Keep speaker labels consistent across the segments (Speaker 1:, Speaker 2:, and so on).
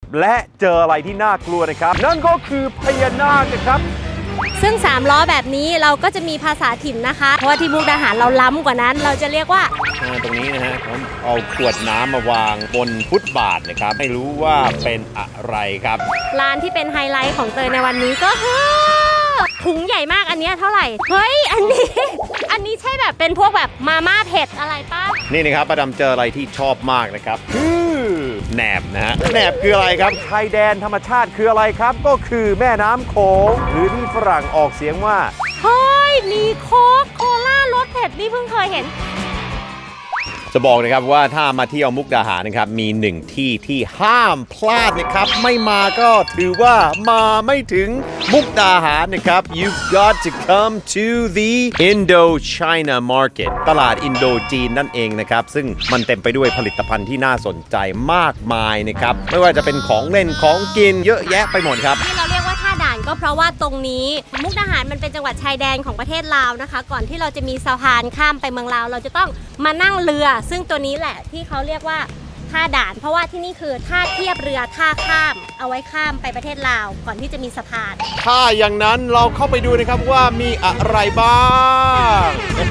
Speaker 1: และเจออะไรที่น่ากลัวนะครับนั่นก็คือพญานาคนะครับ
Speaker 2: ซึ่ง3ล้อแบบนี้เราก็จะมีภาษาถิ่นนะคะเพราะว่าที่มุกดาหารเราล้ำกว่านั้นเราจะเรียกว่า
Speaker 1: ตรงนี้นะฮะผมเอาขวดน้ำมาวางบนฟุตบาทนะครับไม่รู้ว่าเป็นอะไรครับ
Speaker 2: ร้านที่เป็นไฮไลท์ของเตยในวันนี้ก็คือถุงใหญ่มากอันนี้เท่าไหร่เฮ้ยอันนี้ใช่แบบเป็นพวกแบบมาม่าเผ็ดอะไรป่ะ
Speaker 1: นี่นะครับป้าดำเจออะไรที่ชอบมากนะครับคือแหนบนะฮะแหนบคืออะไรครับชายแดนธรรมชาติคืออะไรครับก็คือแม่น้ำโขงหรือที่ฝรั่งออกเสียงว่า
Speaker 2: เฮ้ยมีโค้กโคล่ารสเผ็ดนี่เพิ่งเคยเห็น
Speaker 1: จะบอกนะครับว่าถ้ามาเที่ยวมุกดาหารนะครับมีหนึ่งที่ที่ห้ามพลาดนะครับไม่มาก็ถือว่ามาไม่ถึงมุกดาหารนะครับ You've got to come to the Indochina Market ตลาดอินโดจีนนั่นเองนะครับซึ่งมันเต็มไปด้วยผลิตภัณฑ์ที่น่าสนใจมากมายนะครับไม่ว่าจะเป็นของเล่นของกินเยอะแยะไปหมดครับ
Speaker 2: ที่เราเรียกว่าท่าด่านก็เพราะว่าตรงนี้มุกดาหารมันเป็นจังหวัดชายแดนของประเทศลาวนะคะก่อนที่เราจะมีสะพานข้ามไปเมืองลาวเราจะต้องมานั่งเรือซึ่งตัวนี้แหละที่เขาเรียกว่าท่าด่านเพราะว่าที่นี่คือท่าเทียบเรือท่าข้ามเอาไว้ข้ามไปประเทศลาวก่อนที่จะมีสะพาน
Speaker 1: ถ้าอย่างนั้นเราเข้าไปดูนะครับว่ามีอะไรบ้าง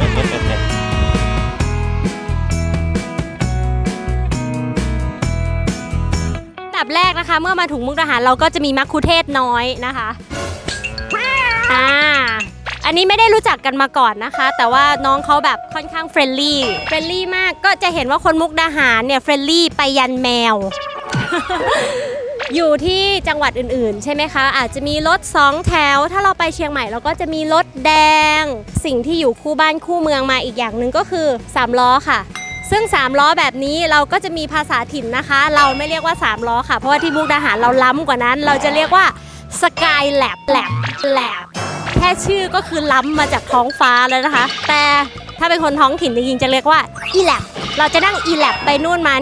Speaker 2: อันดับแรกนะคะเมื่อมาถึงมุกดาหารเราก็จะมีมัคคุเทศก์น้อยนะคะอันนี้ไม่ได้รู้จักกันมาก่อนนะคะแต่ว่าน้องเขาแบบค่อนข้างเฟรนลี่มากก็จะเห็นว่าคนมุกดาหารเนี่ยเฟรนลี่ไปยันแมว อยู่ที่จังหวัดอื่นๆใช่ไหมคะอาจจะมีรถ2แถวถ้าเราไปเชียงใหม่เราก็จะมีรถแดงสิ่งที่อยู่คู่บ้านคู่เมืองมาอีกอย่างหนึ่งก็คือ3ล้อค่ะซึ่ง3ล้อแบบนี้เราก็จะมีภาษาถิ่นนะคะเราไม่เรียกว่า3ล้อค่ะเพราะว่าที่มุกดาหารเราล้ำกว่านั้นเราจะเรียกว่าสกายแลบแค่ชื่อก็คือล้ำมาจากท้องฟ้าแล้วนะคะแต่ถ้าเป็นคนท้องถิ่นจริงๆจะเรียกว่าอีแลบเราจะนั่งอีแลบไปนู่นมา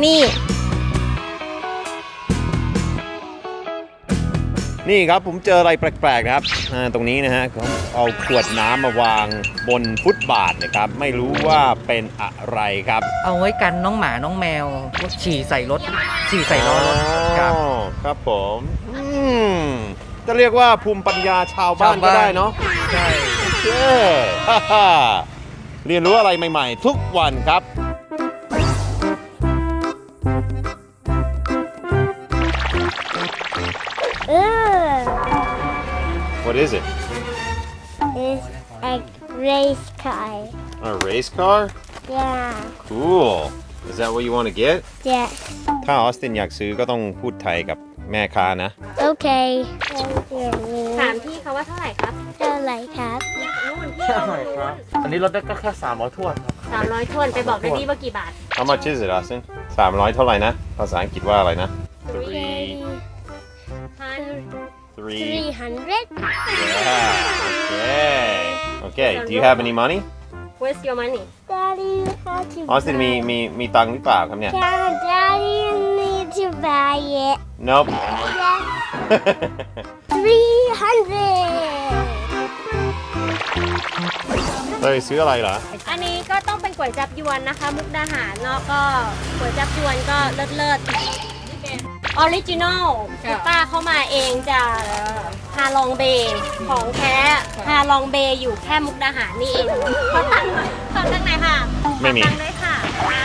Speaker 1: นี่ครับผมเจออะไรแปลกๆนะครับตรงนี้นะฮะผมเอาขวดน้ำมาวางบนฟุตบาทนะครับไม่รู้ว่าเป็นอะไรครับ
Speaker 3: เอาไว้กันน้องหมาน้องแมวฉี่ใส่รถฉี่ใส่ล้อรถครับ
Speaker 1: ครับผมจะเรียกว่าภูมิปัญญาชาวบ้านก็ได้เนาะ
Speaker 3: ใช่
Speaker 1: เรียนรู้อะไรใหม่ๆทุกวันครับWhat is it?
Speaker 4: It's a race car.
Speaker 1: A race car?
Speaker 4: Yeah.
Speaker 1: Cool. Is that what you want to get?
Speaker 4: Yes.
Speaker 1: ถ้าออสตินอยากซื้อก็ต้องพูดไทยกับแม่ค้านะ
Speaker 4: Okay.
Speaker 2: ถามพี่เขาว่าเท่าไหร่ครับ
Speaker 4: เท่าไหร่ครับ
Speaker 2: นู่นพี่เอาครับ
Speaker 3: อันนี้รถได้ก็แค่300 ถ้วนครับ
Speaker 2: 300 ถ้วนไปบอกได้ดีว่ากี่บาท
Speaker 1: How much is it, Austin? 300เท่าไหร่นะภาษาอังกฤษว่าอะไรนะ
Speaker 4: 300.
Speaker 1: Yeah. Okay. Do you have any money?
Speaker 2: Where's your money?
Speaker 4: Daddy had to
Speaker 1: Austin มีตังค์หรือเปล่าครับเนี่ย
Speaker 4: Daddy need to buy it.
Speaker 1: Nope.
Speaker 4: Yes. 300.
Speaker 1: เลยซื้ออะไรเหรอ
Speaker 2: อันนี้ก็ต้องเป็นก๋วยจับยวนนะคะมุกดาหารเนาะก็ก๋วยจับยวนก็เลิศออริจินอลคือป้าเข้ามาเองจากฮาลองเบย์ของแท้ฮาลองเบย์อยู่แค่มุกดาหารนี่เองขอตังค์ไหนค่ะ
Speaker 1: ไม่มี
Speaker 2: ขอตังค์ด้วยค่ะ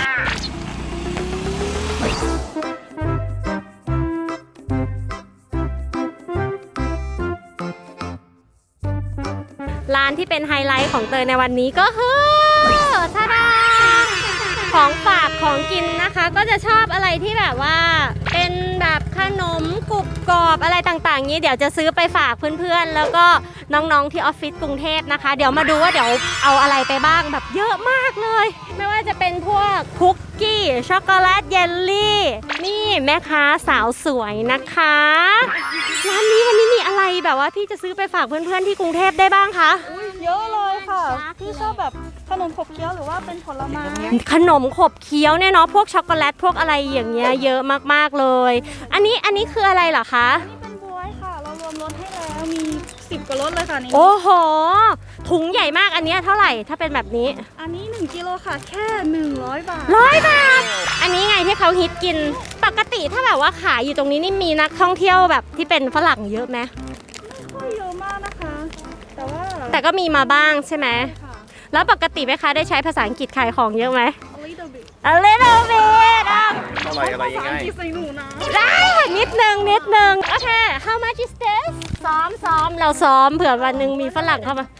Speaker 2: ร้านที่เป็นไฮไลท์ของเตยในวันนี้ก็คือทาดาของฝากของกินนะคะก็จะชอบอะไรที่แบบว่าเป็นแบบขนมกรุบกรอบอะไรต่างๆนี้เดี๋ยวจะซื้อไปฝากเพื่อนๆแล้วก็น้องๆที่ออฟฟิศกรุงเทพนะคะเดี๋ยวมาดูว่าเดี๋ยวเอาอะไรไปบ้างแบบเยอะมากเลยไม่ว่าจะเป็นพวกคุกกี้ช็อกโกแลตเยลลี่นี่แม่ค้าสาวสวยนะคะร้านนี้วันนี้มีอะไรแบบว่าพี่จะซื้อไปฝากเพื่อนๆที่กรุงเทพได้บ้างคะ
Speaker 5: เยอะเลยค่ะพี่ชอบแบบขนมขบเคี้ยวหรือว่าเป็นผลไม้
Speaker 2: ขนมขบเคี้ยวเนี่ยเนาะพวกช็อกโกแลตพวกอะไรอย่างเงี้ยเยอะมากๆเลยอันนี้คืออะไรเหรอคะ
Speaker 5: นี่เป็นบ๊วยค่ะเรารวมรสให้แล้วมี10 กว่ารสเลยค่ะนี่
Speaker 2: โอ้โหโถถุงใหญ่มากอันเนี้ยเท่าไหร่ถ้าเป็นแบบนี้
Speaker 5: อันนี้ 1 กิโลค่ะ แค่ 100 บาท
Speaker 2: 100 บาท อันนี้ไงที่เขาฮิตกินปกติถ้าแบบว่าขายอยู่ตรงนี้นี่มีนักท่องเที่ยวแบบที่เป็นฝรั่งเยอะไหม
Speaker 5: ไม่เยอะมากนะคะ แต่ว่า
Speaker 2: แต่ก็มีมาบ้างใช่ไหม
Speaker 5: ค่ะ
Speaker 2: แล้วปกติแม่ค้าได้ใช้ภาษาอังกฤษขายของเยอะไหม
Speaker 5: a little bit
Speaker 2: A little bit อ่ะ
Speaker 1: อะไรยังไง
Speaker 5: ใส่หนูนะ
Speaker 2: ได้ค่ะนิดนึงโอเค how much is this ซ้อมเราซ้อมเผื่อวันหนึ่งมีฝรั่งเข้ามา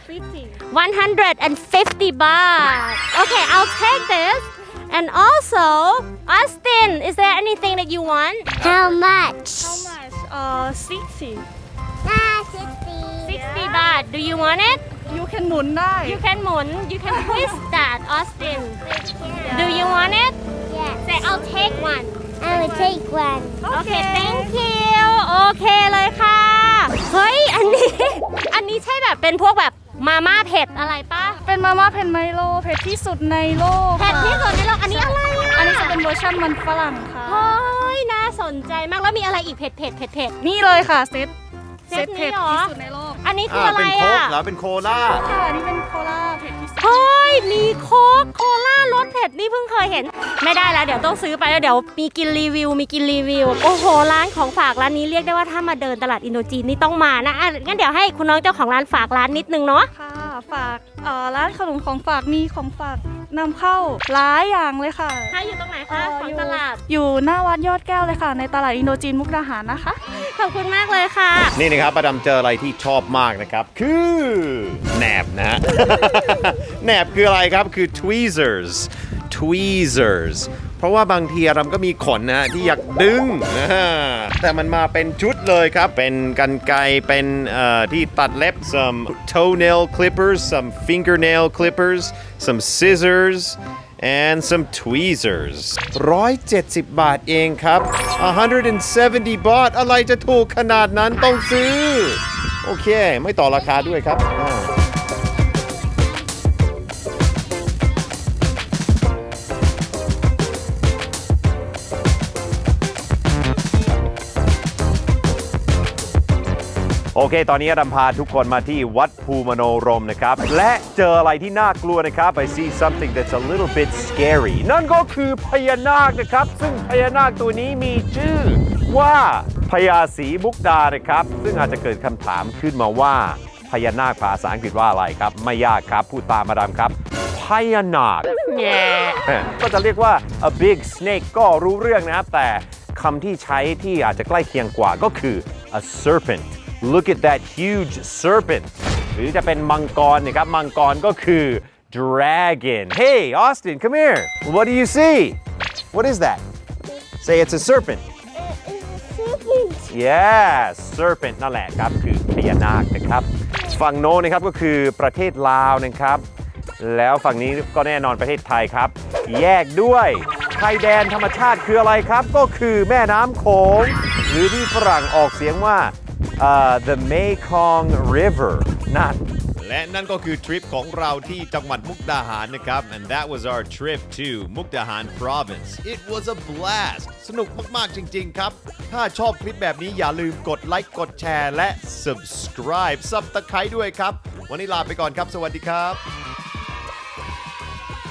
Speaker 2: 150 baht okay I'll take this and also Austin is there anything that you want
Speaker 4: How much?
Speaker 5: How much? 60
Speaker 2: 60 baht do you want it
Speaker 5: You can หมุนได้
Speaker 2: you can หมุน you can twist that Austin do you want it
Speaker 4: Yes.
Speaker 2: say I'll take one
Speaker 4: I will take one.
Speaker 2: โอเค thank you โอเคเลยค่ะ เฮ้ย อันนี้ใช่แบบเป็นพวกแบบมาม่าเผ็ดอะไรปะ
Speaker 5: เป็นมาม่าเผ็ดไมโลเผ็ดที่สุดในโลก
Speaker 2: เผ็ดที่สุดในโลกอันนี้อะไรอ่ะ
Speaker 5: อันนี้จะเป็นเวอร์ชันมันฝรั่งค่ะ
Speaker 2: เฮ้ย น่าสนใจมาก แล้วมีอะไรอีกเผ็ด
Speaker 5: นี่เลยค่ะเซต
Speaker 2: เซตนี้
Speaker 5: เผ็ด
Speaker 2: เหรอ
Speaker 5: ที่สุดในโลก
Speaker 2: อันนี้คืออะไร
Speaker 1: เป็นโค้ก
Speaker 2: อ่ะ
Speaker 1: เหรอเป็นโคลา
Speaker 5: ค่ะอันนี้เป็นโคลาเผ็ดที่สุด
Speaker 2: เฮ้ย มีโค้กโคล่ารสเผ็ดนี่เพิ่งเคยเห็น ไม่ได้แล้วเดี๋ยวต้องซื้อไปแล้วเดี๋ยวมีกินรีวิว โอ้โห ร้านของฝากร้านนี้เรียกได้ว่าถ้ามาเดินตลาดอินโดจีนนี่ต้องมานะอ่ะงั้นเดี๋ยวให้คุณน้องเจ้าของร้านฝากร้านนิดนึงเนาะ
Speaker 5: ค่ะฝากร้านขนมของฝากมีของฝากนำเข้าหลายอย่างเลยค่ะ
Speaker 2: ถ้าอยู่ตรงไหนคะของตลาด
Speaker 5: อยู่หน้าวัดยอดแก้วเลยค่ะ ในตลาดอินโดจีนมุกดาหารนะคะ
Speaker 2: ขอบคุณมากเลยค่ะ
Speaker 1: นี่นะครับประดำเจออะไรที่ชอบมากนะครับ คือแหนบนะฮะ แหนบคืออะไรครับคือ tweezers เพราะว่าบางทีอารมก็มีขนนะฮะที่อยากดึงแต่มันมาเป็นชุดเลยครับ เป็นกรรไกรเป็นที่ตัดเล็บ some toenail clippers some fingernail clippers some scissors and some tweezers 170 บาทเองครับ 170 บาทอะไรจะถูกขนาดนั้นต้องซื้อ โอเค ไม่ต่อราคาด้วยครับ โอเค ตอนนี้ดำพาทุกคนมาที่วัดภูมโนรมนะครับ และเจออะไรที่น่ากลัวนะครับ I see something that's a little bit scary นั่นก็คือพญานาคนะครับ ซึ่งพญานาคตัวนี้มีชื่อว่าพญาศรีมุกดานะครับ ซึ่งอาจจะเกิดคำถามขึ้นมาว่าพญานาคภาษาอังกฤษว่าอะไรครับ ไม่ยากครับพูดตามมาดามครับพญานาคก็จะเรียกว่า a big snake ก็รู้เรื่องนะครับ แต่คำที่ใช้ที่อาจจะใกล้เคียงกว่าก็คือ a serpent Look at that huge serpent หรือจะเป็นมังกรนะครับมังกรก็คือ dragon Hey Austin come here What do you see What is that Say it's a serpent Yeah serpent นั่นแหละครับคือพญานาคนะครับฝั่งโน้นนะครับก็คือประเทศลาวนะครับแล้วฝั่งนี้ก็แน่นอนประเทศไทยครับแยกด้วยชายแดนธรรมชาติคืออะไรครับก็คือแม่น้ำโขงหรือที่ฝรั่งออกเสียงว่าthe Mekong River นั่นและนั่นก็คือทริปของเราที่จังหวัดมุกดาหารนะครับ and that was our trip to มุกดาหาร province it was a blast สนุกมากๆจริงๆครับถ้าชอบคลิปแบบนี้อย่าลืมกดไลค์กดแชร์และ subscribe ด้วยครับวันนี้ลาไปก่อนครับสวัสดีครับ